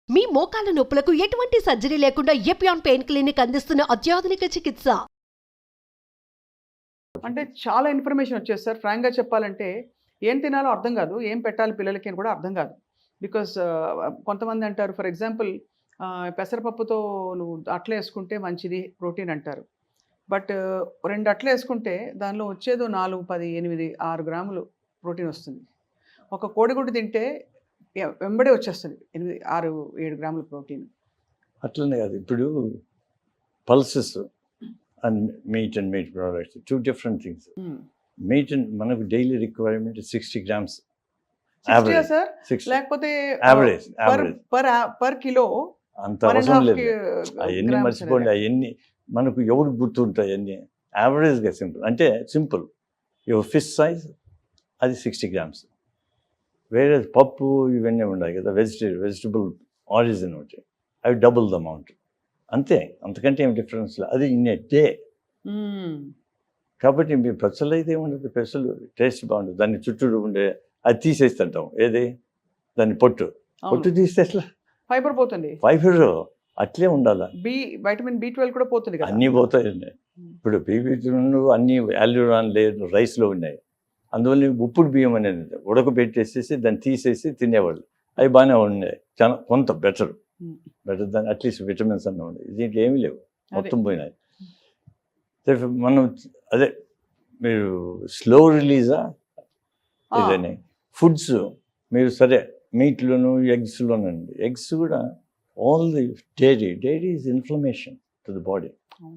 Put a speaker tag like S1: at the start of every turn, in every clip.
S1: మీ మోకాల నొప్పులకు ఎటువంటి సర్జరీ లేకుండా ఎపియాన్ పెయిన్ క్లినిక్ అందిస్తున్న అత్యాధునిక చికిత్స.
S2: అంటే చాలా ఇన్ఫర్మేషన్ వచ్చేది సార్. ఫ్రాంక్గా చెప్పాలంటే ఏం తినాలో అర్థం కాదు, ఏం పెట్టాలి పిల్లలకి అని కూడా అర్థం కాదు. బికాస్ కొంతమంది అంటారు, ఫర్ ఎగ్జాంపుల్ పెసరపప్పుతో నువ్వు అట్లు వేసుకుంటే మంచిది ప్రోటీన్ అంటారు. బట్ 2 అట్లు వేసుకుంటే దానిలో వచ్చేదో 4, 10, 8, 6 గ్రాములు ప్రోటీన్ వస్తుంది. ఒక కోడిగుడ్డు తింటే వెంబడే వచ్చేస్తుంది 8, 6, 7 గ్రాముల ప్రోటీన్.
S3: అట్లనే కాదు, ఇప్పుడు pulses and meat products 2 different things. Meat మనకు డైలీ రిక్వైర్మెంట్ 60 grams
S2: సార్,
S3: 60
S2: లేకపోతే
S3: యావరేజ్
S2: పర్ కిలో
S3: అంత అవసరం లేదు. అవన్నీ మర్చిపోండి, అవన్నీ మనకు ఎవరికి గుర్తుంటాయి అన్నీ యావరేజ్గా సింపుల్. అంటే సింపుల్, యువర్ ఫిష్ సైజ్ అది 60 grams. వేరే పప్పు ఇవన్నీ ఉన్నాయి కదా, వెజిటబుల్ ఆరిజిన్ ఉంటాయి, అవి డబుల్ ద అమౌంట్ అంతే, అంతకంటే ఏం డిఫరెన్స్ లేదు. అది ఇన్ ఏ డే. కాబట్టి మీ పెసలు అయితే ఏముండదు, పెసలు టేస్ట్ బాగుంటుంది. దాన్ని చుట్టూ ఉండే అది తీసేస్తుంటాం, ఏది దాన్ని పొట్టు తీస్తే అట్లా
S2: ఫైబర్ పోతుంది.
S3: ఫైబర్ అట్లే ఉండాలి.
S2: వైటమిన్ B12 కూడా పోతుంది కదా.
S3: అన్నీ పోతాయండి. ఇప్పుడు B12 అన్నీ యాల్యూరాన్ లేదు రైస్లో ఉన్నాయి. అందువల్ల ఉప్పుడు బియ్యం అనేది ఉడకబెట్టేసేసి దాన్ని తీసేసి తినేవాళ్ళు, అవి బాగానే ఉన్నాయి. చాలా కొంత బెటర్ దాన్ని అట్లీస్ట్ విటమిన్స్ అన్న ఉన్నాయి. దీంట్లో ఏమీ లేవు, మొత్తం పోయినాయి. మనం అదే మీరు స్లో రిలీజా ఇదని ఫుడ్స్ మీరు సరే మీట్లోను ఎగ్స్లోనండి. ఎగ్స్ కూడా all the dairy is inflammation to the body.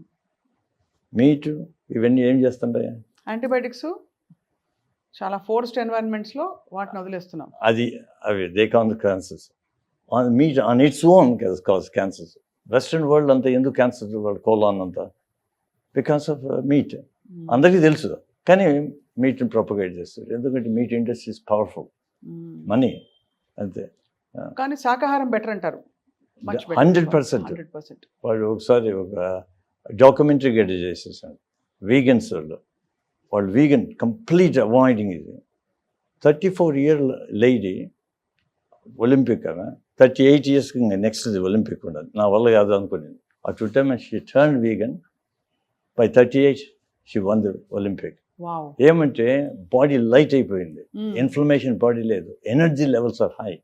S3: Meat ఇవన్నీ ఏం చేస్తుంటాయి,
S2: యాంటీబయాటిక్స్ చాలా ఫోర్స్డ్ ఎన్వైరన్మెంట్స్లో వాటిని వదిలేస్తున్నాం.
S3: అవి they cause cancers. Meat on its own cause cancers. Western world అంతా ఎందుకు క్యాన్సర్ వరల్డ్ కోలాన్ అంతా బికాస్ ఆఫ్ మీట్. అందరికీ తెలుసు, కానీ మీట్ని ప్రొపగేట్ చేస్తారు. ఎందుకంటే meat industry is powerful, money అంతే.
S2: కానీ శాకాహారం బెటర్ అంటారు.
S3: 100%. వాళ్ళు ఒకసారి ఒక డాక్యుమెంటరీ గడ్డ చేసేసారు వీగన్స్ వాళ్ళు వీగన్ కంప్లీట్ అవాయిడింగ్. ఇది 34-year లేడీ ఒలింపిక్ ఆమె, 38 years నెక్స్ట్ ఒలింపిక్ ఉండదు. నా వల్ల కాదు అనుకునేది. ఆ two time she turn vegan. By 38 she won the Olympic. ఏమంటే బాడీ లైట్ అయిపోయింది, ఇన్ఫ్లమేషన్ బాడీ లేదు, energy levels are high.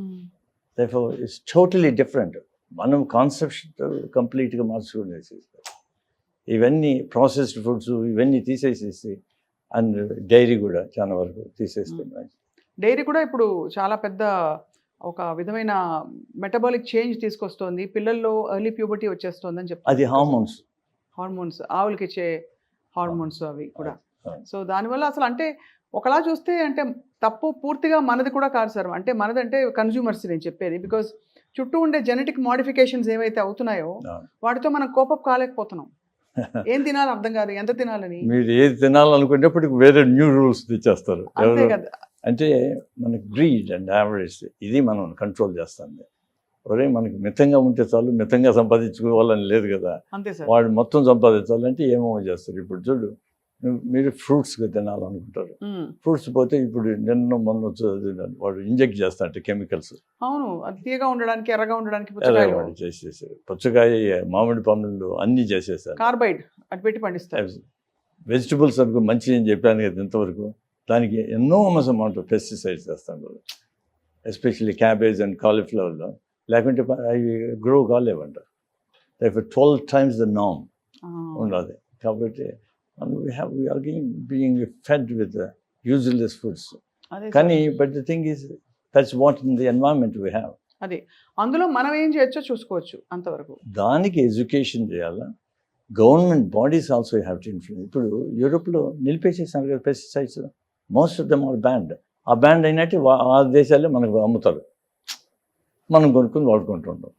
S3: It's totally different. మనం కాన్సెప్ట్ కంప్లీట్గా మార్చుకునేసి ఇవన్నీ ప్రాసెస్డ్ ఫుడ్స్ ఇవన్నీ తీసేసేసి, అండ్ డైరీ కూడా చాలా వరకు తీసేస్తున్నాయి.
S2: డైరీ కూడా ఇప్పుడు చాలా పెద్ద ఒక విధమైన మెటబాలిక్ చేంజ్ తీసుకొస్తుంది. పిల్లల్లో ఎర్లీ ప్యూబర్టీ వచ్చేస్తుంది అని చెప్తారు.
S3: అది
S2: హార్మోన్స్ ఆవులకి ఇచ్చే హార్మోన్స్ అవి కూడా. సో దానివల్ల అసలు అంటే ఒకలా చూస్తే అంటే తప్పు పూర్తిగా మనది కూడా కాదు సార్. అంటే మనదంటే కన్జ్యూమర్స్ నేను చెప్పేది. బికాజ్ చుట్టూ ఉండే జెనెటిక్ మోడిఫికేషన్స్ ఏవైతే అవుతున్నాయో వాటితో మనం కోపప్ కాలేకపోతున్నాం. ఏం తినాలి అర్థం కాదు, ఎంత తినాలని.
S3: మీరు ఏది తినాలనుకునేప్పటికి వేరే న్యూ రూల్స్ తెచ్చేస్తారు. అంటే మనకి గ్రీడ్ అండ్ యావరేజ్ ఇది మనం కంట్రోల్ చేస్తుంది. ఒరే మనకి మితంగా ఉంటే చాలు, మితంగా సంపాదించుకోవాలని లేదు కదా.
S2: అంతే సార్.
S3: వాడు మొత్తం సంపాదించాలంటే ఏమో చేస్తారు. ఇప్పుడు చూడు, మీరు ఫ్రూట్స్గా తినాలనుకుంటారు, ఫ్రూట్స్ పోతే ఇప్పుడు మొన్న వాడు ఇంజెక్ట్ చేస్తారంటే కెమికల్స్.
S2: అవును, అది తీయగా ఉండడానికి, ఎర్రగా ఉండడానికి
S3: వాడు చేసేసారు. పుచ్చకాయ, మామిడి పండ్లు అన్నీ చేసేసారు.
S2: కార్బైడ్ అటు పెట్టి పండిస్తారు.
S3: వెజిటబుల్స్ అనుకో మంచిది అని చెప్పాను కదా ఇంతవరకు, దానికి ఎన్నోమస్ అమౌంట్ ఆఫ్ పెస్టిసైడ్స్ చేస్తాను. ఎస్పెషల్లీ క్యాబేజ్ అండ్ కాలీఫ్లవర్లో, లేకుంటే అవి గ్రో కాలేవంట. 12 times the norm ఉండదు. కాబట్టి we are being fed with useless foods. కానీ but the thing is that's what in the environment we have.
S2: అదే అందులో మనం ఏం చేయొచ్చో చూసుకోవచ్చు అంతవరకు.
S3: దానికి ఎడ్యుకేషన్ చేయాలా, government bodies also have to influence. ఇప్పుడు యూరోప్లో నిలిపేసేసారు కదా pesticides, most of them are banned. ఆ బ్యాండ్ అయినట్టు ఆ దేశాలే మనకు అమ్ముతారు, మనం కొనుక్కొని వాడుకుంటుంటాం.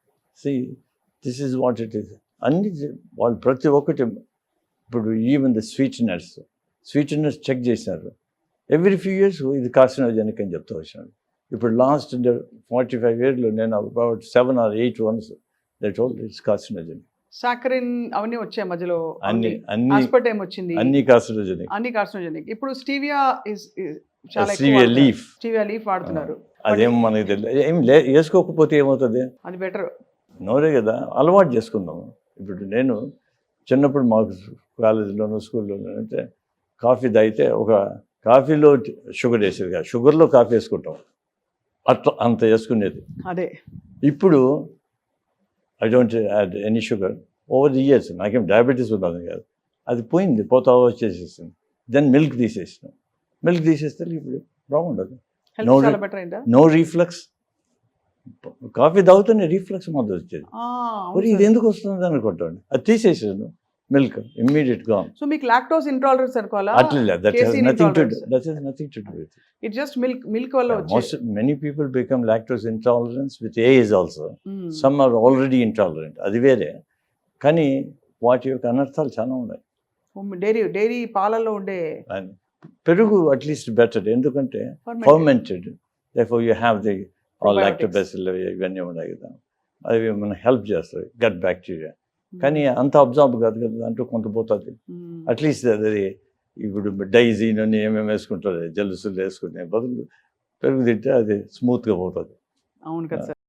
S3: This is what it is. అన్ని వాళ్ళు ప్రతి ఒక్కటి. ఇప్పుడు ఈవెన్ ద స్వీట్నర్స్ చెక్ చేశారు. ఎవ్రీ ఫ్యూ ఇయర్స్ ఇది కార్సినోజెనిక్ అని చెప్తూ వచ్చాను. ఇప్పుడు లాస్ట్ 45 years నేను about 7 or 8 ones that told it's carcinogenic.
S2: Saccharin అవన్నీ వచ్చాయి మధ్యలో,
S3: అన్ని
S2: ఆస్పర్టేమ్ వచ్చింది,
S3: అన్ని కార్సినోజెనిక్.
S2: ఇప్పుడు స్టీవియా చాలా
S3: స్టీవియా లీఫ్
S2: వాడుతున్నారు.
S3: అదేం మనకి తెలియదు. ఏం వేసుకోకపోతే ఏమవుతుంది?
S2: అది బెటర్.
S3: నోరే కదా, అలవాటు చేసుకుందాము. ఇప్పుడు నేను చిన్నప్పుడు మాకు కాలేజీలోనూ స్కూల్లోనూ అంటే కాఫీ తాగితే ఒక కాఫీలో షుగర్ వేసేది కాదు, షుగర్లో కాఫీ వేసుకుంటాం, అట్లా అంత వేసుకునేది.
S2: అదే
S3: ఇప్పుడు I don't add any sugar. Over the years నాకేం డయాబెటీస్ ఉన్నది కాదు, అది పోయింది, పోతా వచ్చేసేసింది. దెన్ మిల్క్ తీసేసినాం. మిల్క్ తీసేస్తే ఇప్పుడు బాగుండదు.
S2: హెల్త్
S3: No,
S2: చాలా బెటర్ అయిందా?
S3: No reflux. కాఫీ తాగుతూనే రీఫ్లక్స్ మొదలు వచ్చేది. మరి ఇది ఎందుకు వస్తుంది అనుకుంటాను, అది తీసేసాను. మిల్క్ ఇమ్మీడియట్ గా.
S2: సో మీకు లాక్టోస్ ఇంటాలరెన్స్ అనుకోవాలా?
S3: అట్లా that has
S2: Casein
S3: nothing to
S2: intolerance.
S3: That has nothing to do with
S2: it just milk వల్ల వచ్చే.
S3: most many people become lactose intolerant with age also. Some are already intolerant, అది వేరే. కానీ వాటి యొక్క అనర్థాలు చాలా ఉన్నాయి.
S2: డైరీ పాలల్లో ఉండే
S3: And పెరుగు అట్లీస్ట్ బెటర్, ఎందుకంటే
S2: fermented.
S3: Fermented, therefore you have the all
S2: Probiotics.
S3: lactobacilli ఇవన్నీ ఉన్నాయి కదా, అవి మనకు హెల్ప్ చేస్తాయి గట్ బ్యాక్టీరియా. కానీ అంత అబ్జార్బ్ కాదు కదా, దాంట్లో కొంత పోతుంది. అట్లీస్ట్ అది ఇప్పుడు డైజీన్ అని ఏమేమి వేసుకుంటారు, జలుసులు వేసుకునే బదులు పెరుగు తింటే అది స్మూత్గా పోతుంది.
S2: అవును కదా సార్.